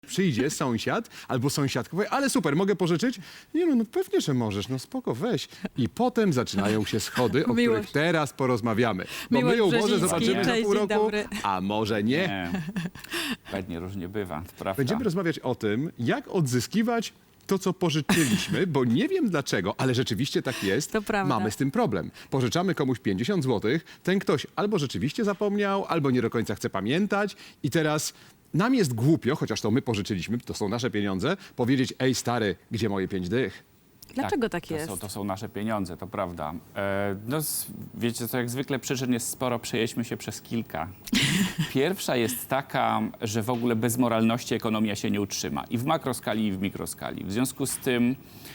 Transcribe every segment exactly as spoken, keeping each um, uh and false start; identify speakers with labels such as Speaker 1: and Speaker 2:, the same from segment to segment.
Speaker 1: Przyjdzie sąsiad albo sąsiadka, powie, ale super, mogę pożyczyć? Nie no, no pewnie, że możesz, no spoko, weź. I potem zaczynają się schody, o
Speaker 2: Miłość.
Speaker 1: których teraz porozmawiamy. Bo
Speaker 2: Miłość
Speaker 1: my ją może
Speaker 2: Brzeziński.
Speaker 1: zobaczymy za
Speaker 2: Cześć,
Speaker 1: pół
Speaker 2: dzień
Speaker 1: roku,
Speaker 2: dobry.
Speaker 1: a może nie.
Speaker 3: Nie, pewnie różnie bywa, to prawda.
Speaker 1: Będziemy rozmawiać o tym, jak odzyskiwać to, co pożyczyliśmy, bo nie wiem dlaczego, ale rzeczywiście tak jest.
Speaker 2: To prawda.
Speaker 1: Mamy z tym problem. Pożyczamy komuś pięćdziesiąt złotych, ten ktoś albo rzeczywiście zapomniał, albo nie do końca chce pamiętać i teraz nam jest głupio, chociaż to my pożyczyliśmy, to są nasze pieniądze, powiedzieć, ej stary, gdzie moje pięć dych?
Speaker 2: Dlaczego tak,
Speaker 3: to
Speaker 2: jest?
Speaker 3: Są, to są nasze pieniądze, to prawda. E, no, s- wiecie co, jak zwykle przyczyn jest sporo, przejedźmy się przez kilka. Pierwsza jest taka, że w ogóle bez moralności ekonomia się nie utrzyma. I w makroskali, i w mikroskali. W związku z tym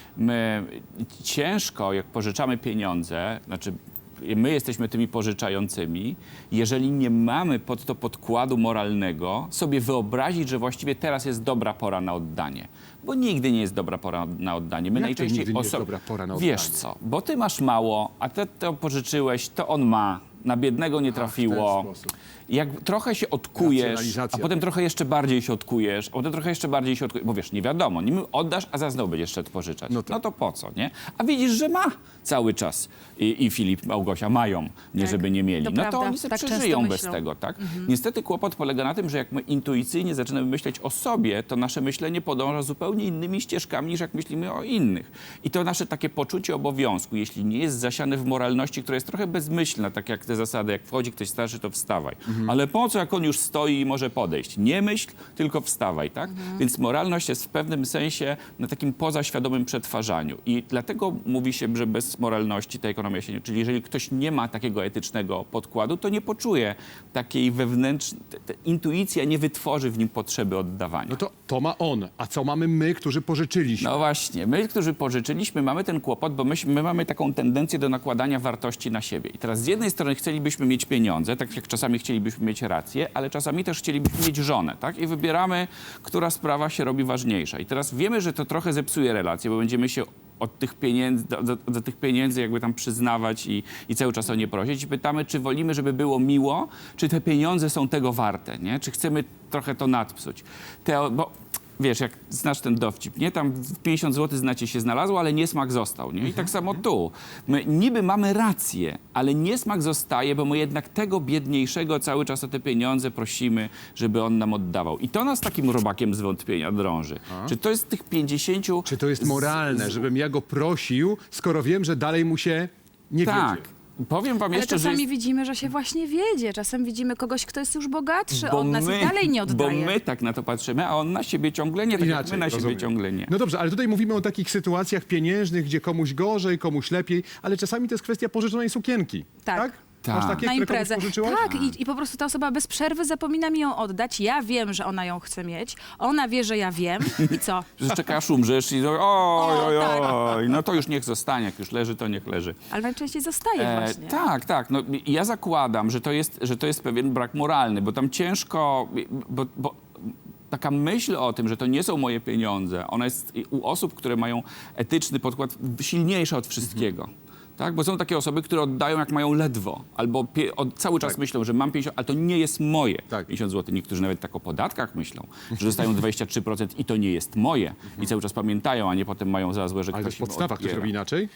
Speaker 3: my ciężko, jak pożyczamy pieniądze, znaczy my jesteśmy tymi pożyczającymi, jeżeli nie mamy pod to podkładu moralnego, sobie wyobrazić, że właściwie teraz jest dobra pora na oddanie. Bo nigdy nie jest dobra pora na oddanie. My
Speaker 1: Jak to
Speaker 3: najczęściej
Speaker 1: nigdy nie jest
Speaker 3: oso-
Speaker 1: dobra pora na
Speaker 3: Wiesz
Speaker 1: oddanie?
Speaker 3: co, bo ty masz mało, a ty to pożyczyłeś, to on ma. Na biednego nie trafiło.
Speaker 1: sposób.
Speaker 3: Jak trochę się odkujesz, a
Speaker 1: Racjonalizacja.
Speaker 3: potem trochę jeszcze bardziej się odkujesz, a potem trochę jeszcze bardziej się odkujesz, bo wiesz, nie wiadomo, nim oddasz, a za znowu będziesz szedł pożyczać.
Speaker 1: No
Speaker 3: No
Speaker 1: tak.
Speaker 3: to, po co, nie? A widzisz, że ma cały czas. I, i Filip, Małgosia mają, nie
Speaker 2: Tak,
Speaker 3: żeby nie mieli.
Speaker 2: to
Speaker 3: no to
Speaker 2: prawda,
Speaker 3: oni sobie
Speaker 2: tak często
Speaker 3: przeżyją bez
Speaker 2: myślą.
Speaker 3: tego, tak? Niestety kłopot polega na tym, że jak my intuicyjnie zaczynamy myśleć o sobie, to nasze myślenie podąża zupełnie innymi ścieżkami, niż jak myślimy o innych. I to nasze takie poczucie obowiązku, jeśli nie jest zasiane w moralności, która jest trochę bezmyślna, tak jak te zasady, jak wchodzi ktoś starszy, to wstawaj. Ale po co, jak on już stoi i może podejść? Nie myśl, tylko wstawaj, tak? Więc moralność jest w pewnym sensie na takim pozaświadomym przetwarzaniu. I dlatego mówi się, że bez moralności ta ekonomia się nie... Czyli jeżeli ktoś nie ma takiego etycznego podkładu, to nie poczuje takiej wewnętrznej... Intuicja nie wytworzy w nim potrzeby oddawania.
Speaker 1: No to, to ma on, a co mamy my, którzy pożyczyliśmy?
Speaker 3: No właśnie, my, którzy pożyczyliśmy, mamy ten kłopot, bo my, my mamy taką tendencję do nakładania wartości na siebie. I teraz z jednej strony chcielibyśmy mieć pieniądze, tak jak czasami chcielibyśmy mieć rację, ale czasami też chcielibyśmy mieć żonę, tak? I wybieramy, która sprawa się robi ważniejsza. I teraz wiemy, że to trochę zepsuje relacje, bo będziemy się od tych pieniędzy, do, do, do tych pieniędzy jakby tam przyznawać i, i cały czas o nie prosić. I pytamy, czy wolimy, żeby było miło, czy te pieniądze są tego warte, nie? Czy chcemy trochę to nadpsuć. Te, bo wiesz, jak znasz ten dowcip, nie? Tam pięćdziesiąt złotych znacie się znalazło, ale niesmak został, nie? I tak samo tu. My niby mamy rację, ale niesmak zostaje, bo my jednak tego biedniejszego cały czas o te pieniądze prosimy, żeby on nam oddawał. I to nas takim robakiem zwątpienia drąży. Czy to jest tych pięćdziesięciu...
Speaker 1: Czy to jest
Speaker 3: z-
Speaker 1: moralne,
Speaker 3: z-
Speaker 1: żebym ja go prosił, skoro wiem, że dalej mu się nie
Speaker 3: Tak.
Speaker 1: wiedzie?
Speaker 3: Powiem wam
Speaker 2: Ale
Speaker 3: jeszcze, że
Speaker 2: czasami
Speaker 3: jest...
Speaker 2: widzimy, że się właśnie wiedzie. Czasem widzimy kogoś, kto jest już bogatszy
Speaker 3: Bo
Speaker 2: od nas
Speaker 3: my-
Speaker 2: i dalej nie oddaje.
Speaker 3: Bo my tak na to patrzymy, a on na siebie ciągle nie, tak jak my na siebie
Speaker 1: rozumiem.
Speaker 3: ciągle nie.
Speaker 1: No dobrze, ale tutaj mówimy o takich sytuacjach pieniężnych, gdzie komuś gorzej, komuś lepiej, ale czasami to jest kwestia pożyczonej sukienki.
Speaker 2: Tak.
Speaker 1: Tak?
Speaker 3: Tak.
Speaker 1: Masz takie,
Speaker 2: Na
Speaker 1: które komuś
Speaker 2: imprezę.
Speaker 1: pożyczyłaś?
Speaker 2: Tak, i, i po prostu ta osoba bez przerwy zapomina mi ją oddać. Ja wiem, że ona ją chce mieć. Ona wie, że ja wiem. I co?
Speaker 3: Że czekasz, umrzesz i oj, oj,
Speaker 2: tak.
Speaker 3: oj, no to już niech zostanie, jak już leży, to niech leży.
Speaker 2: Ale najczęściej zostaje
Speaker 3: E,
Speaker 2: właśnie.
Speaker 3: tak, tak. No, i ja zakładam, że to, jest, że to jest pewien brak moralny, bo tam ciężko, bo, bo taka myśl o tym, że to nie są moje pieniądze, ona jest u osób, które mają etyczny podkład silniejsza od wszystkiego. Tak? Bo są takie osoby, które oddają jak mają ledwo, albo pie, od, cały czas
Speaker 1: Tak.
Speaker 3: myślą, że mam pięćdziesiąt, ale to nie jest moje
Speaker 1: Tak.
Speaker 3: pięćdziesiąt złotych. Niektórzy nawet tak o podatkach myślą, że dostają dwadzieścia trzy procent i to nie jest moje. I cały czas pamiętają, a nie potem mają za złe, że
Speaker 1: Ale to
Speaker 3: ktoś
Speaker 1: w
Speaker 3: im
Speaker 1: podstawach ktoś
Speaker 3: odbiera.
Speaker 1: robi inaczej?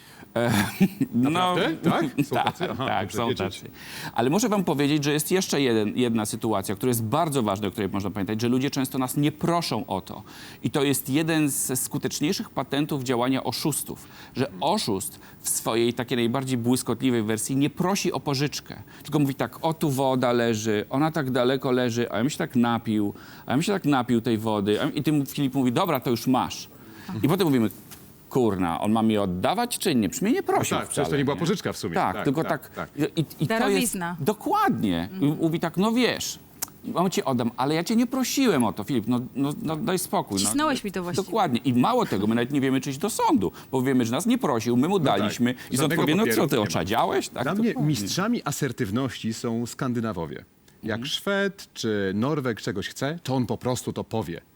Speaker 3: No,
Speaker 1: Naprawdę? Tak? Są
Speaker 3: tak,
Speaker 1: tacy? Aha,
Speaker 3: tak,
Speaker 1: dobrze
Speaker 3: są
Speaker 1: wiedzieć.
Speaker 3: tacy. Ale muszę wam powiedzieć, że jest jeszcze jeden, jedna sytuacja, która jest bardzo ważna, o której można pamiętać, że ludzie często nas nie proszą o to. I to jest jeden ze skuteczniejszych patentów działania oszustów, że oszust w swojej takiej najbardziej błyskotliwej wersji nie prosi o pożyczkę, tylko mówi tak, o tu woda leży, ona tak daleko leży, a ja bym się tak napił, a ja bym się tak napił tej wody. A- I ty, Filip, mówi, dobra, to już masz. I potem mówimy, kurna, on ma mi oddawać czy nie? Przecież mnie nie prosił
Speaker 1: tak,
Speaker 3: wcale,
Speaker 1: przecież to nie była pożyczka w sumie.
Speaker 3: Tak,
Speaker 1: Tak,
Speaker 3: tylko
Speaker 1: tak,
Speaker 3: tak.
Speaker 1: tak.
Speaker 3: I, i to jest,
Speaker 2: Darowizna.
Speaker 3: dokładnie. I mówi tak, no wiesz, mam ci oddam, ale ja cię nie prosiłem o to, Filip, no, no, no daj spokój.
Speaker 2: Wcisnąłeś
Speaker 3: no,
Speaker 2: mi to właściwie.
Speaker 3: Dokładnie. I mało tego, my nawet nie wiemy, czy iść do sądu, bo wiemy, że nas nie prosił, my mu daliśmy
Speaker 1: tak.
Speaker 3: i sąd
Speaker 1: Żadnego
Speaker 3: powie, no
Speaker 1: papieru
Speaker 3: co, ty
Speaker 1: nie ma.
Speaker 3: oczadziałeś? Tak,
Speaker 1: Dla mnie
Speaker 3: dokładnie.
Speaker 1: mistrzami asertywności są Skandynawowie. Jak Szwed czy Norweg czegoś chce, to on po prostu to powie.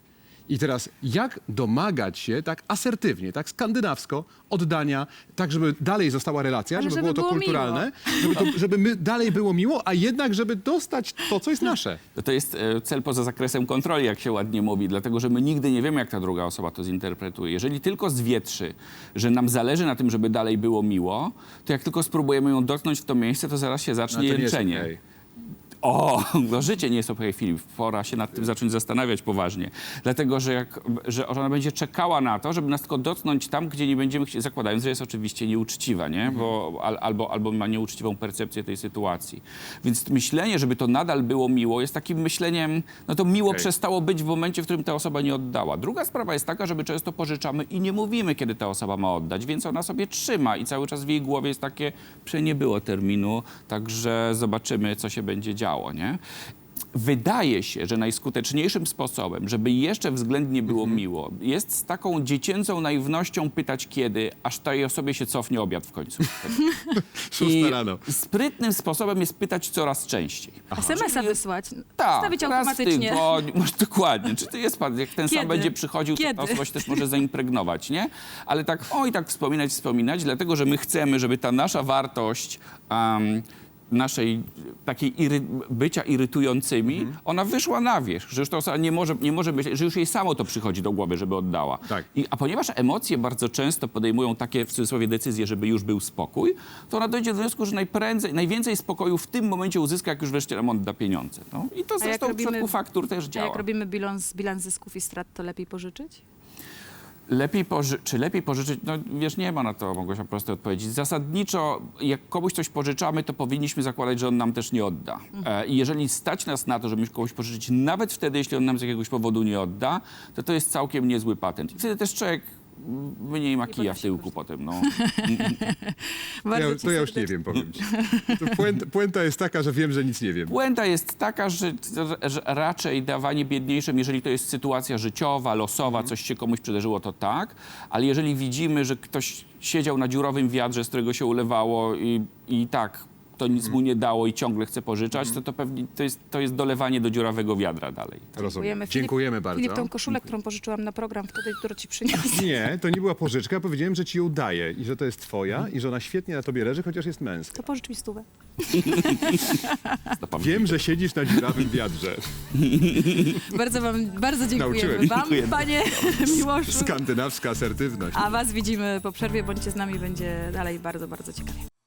Speaker 1: I teraz jak domagać się tak asertywnie, tak skandynawsko oddania, tak żeby dalej została relacja,
Speaker 2: Ale
Speaker 1: żeby,
Speaker 2: żeby
Speaker 1: było to
Speaker 2: było
Speaker 1: kulturalne, żeby, to, żeby my dalej było miło, a jednak żeby dostać to, co jest nasze.
Speaker 3: To, to jest e, cel poza zakresem kontroli, jak się ładnie mówi, dlatego że my nigdy nie wiemy, jak ta druga osoba to zinterpretuje. Jeżeli tylko zwietrzy, że nam zależy na tym, żeby dalej było miło, to jak tylko spróbujemy ją dotknąć w to miejsce, to zaraz się
Speaker 1: No,
Speaker 3: zacznie
Speaker 1: to nie jest
Speaker 3: jęczenie.
Speaker 1: okej.
Speaker 3: O, no życie nie jest okej, Filip. Pora się nad tym zacząć zastanawiać poważnie. Dlatego, że, jak, że ona będzie czekała na to, żeby nas tylko dotknąć tam, gdzie nie będziemy chcieli, zakładając, że jest oczywiście nieuczciwa, nie? Bo, al, albo, albo ma nieuczciwą percepcję tej sytuacji. Więc myślenie, żeby to nadal było miło, jest takim myśleniem, no to miło
Speaker 1: Okej.
Speaker 3: przestało być w momencie, w którym ta osoba nie oddała. Druga sprawa jest taka, że my często pożyczamy i nie mówimy, kiedy ta osoba ma oddać, więc ona sobie trzyma i cały czas w jej głowie jest takie, że nie było terminu, także zobaczymy, co się będzie działo. Nie? Wydaje się, że najskuteczniejszym sposobem, żeby jeszcze względnie było
Speaker 1: Mhm.
Speaker 3: miło, jest z taką dziecięcą naiwnością pytać kiedy, aż tej osobie się cofnie obiad w końcu.
Speaker 1: Szósta rano.
Speaker 3: sprytnym sposobem jest pytać coraz częściej.
Speaker 2: es em es a wysłać,
Speaker 3: Tak,
Speaker 2: stawić
Speaker 3: raz w
Speaker 2: automatycznie.
Speaker 3: tygodniu, masz dokładnie. Czy to jest pan, jak ten
Speaker 2: Kiedy?
Speaker 3: sam będzie przychodził, to
Speaker 2: Kiedy?
Speaker 3: ta osoba się też może zaimpregnować, nie? Ale tak, oj, tak wspominać, wspominać, dlatego, że my chcemy, żeby ta nasza wartość um, naszej takiej iry, bycia irytującymi,
Speaker 1: Mhm.
Speaker 3: ona wyszła na wierzch, że już ta osoba nie może, nie może być, że już jej samo to przychodzi do głowy, żeby oddała.
Speaker 1: Tak.
Speaker 3: I, a ponieważ emocje bardzo często podejmują takie, w cudzysłowie, decyzje, żeby już był spokój, to ona dojdzie do wniosku, że najprędzej, najwięcej spokoju w tym momencie uzyska, jak już wreszcie nam odda pieniądze. No. I to
Speaker 2: jak
Speaker 3: zresztą w
Speaker 2: robimy-
Speaker 3: przypadku faktur też
Speaker 2: A
Speaker 3: działa.
Speaker 2: jak robimy bilans, bilans zysków i strat, to lepiej pożyczyć?
Speaker 3: Lepiej poży- czy lepiej pożyczyć? No wiesz, nie ma na to, Małgosia, prostej odpowiedzi. Zasadniczo, jak komuś coś pożyczamy, to powinniśmy zakładać, że on nam też nie odda. E, I jeżeli stać nas na to, żeby komuś pożyczyć, nawet wtedy, jeśli on nam z jakiegoś powodu nie odda, to to jest całkiem niezły patent. I wtedy też człowiek mniej ma kija w
Speaker 2: ponosi
Speaker 3: tyłku potem, no.
Speaker 2: Bardzo
Speaker 1: Ja,
Speaker 2: ci
Speaker 1: to ja już nie
Speaker 2: serdecznie-
Speaker 1: wiem, powiem ci. To puenta, puenta jest taka, że wiem, że nic nie wiem.
Speaker 3: Puenta jest taka, że, że raczej dawanie biedniejszym, jeżeli to jest sytuacja życiowa, losowa, coś się komuś przydarzyło, to tak, ale jeżeli widzimy, że ktoś siedział na dziurowym wiadrze, z którego się ulewało i, i tak to nic mu nie dało i ciągle chce pożyczać, to, to pewnie to jest, to jest dolewanie do dziurawego wiadra dalej.
Speaker 1: Rozumiem.
Speaker 2: Filip-
Speaker 1: Dziękujemy bardzo.
Speaker 2: Filip, tą koszulę, którą pożyczyłam na program wtedy, którą ci przyniosłam.
Speaker 1: Nie, to nie była pożyczka. Powiedziałem, że ci ją daję i że to jest twoja i że ona świetnie na tobie leży, chociaż jest męska.
Speaker 2: To pożycz mi stówę.
Speaker 1: Wiem, że siedzisz na dziurawym wiadrze.
Speaker 2: Bardzo wam, bardzo dziękujemy
Speaker 1: Nauczyłem.
Speaker 2: wam,
Speaker 3: Dziękujemy.
Speaker 2: panie Miłoszu.
Speaker 1: Skandynawska asertywność.
Speaker 2: A was widzimy po przerwie, bądźcie z nami, będzie dalej bardzo, bardzo ciekawie.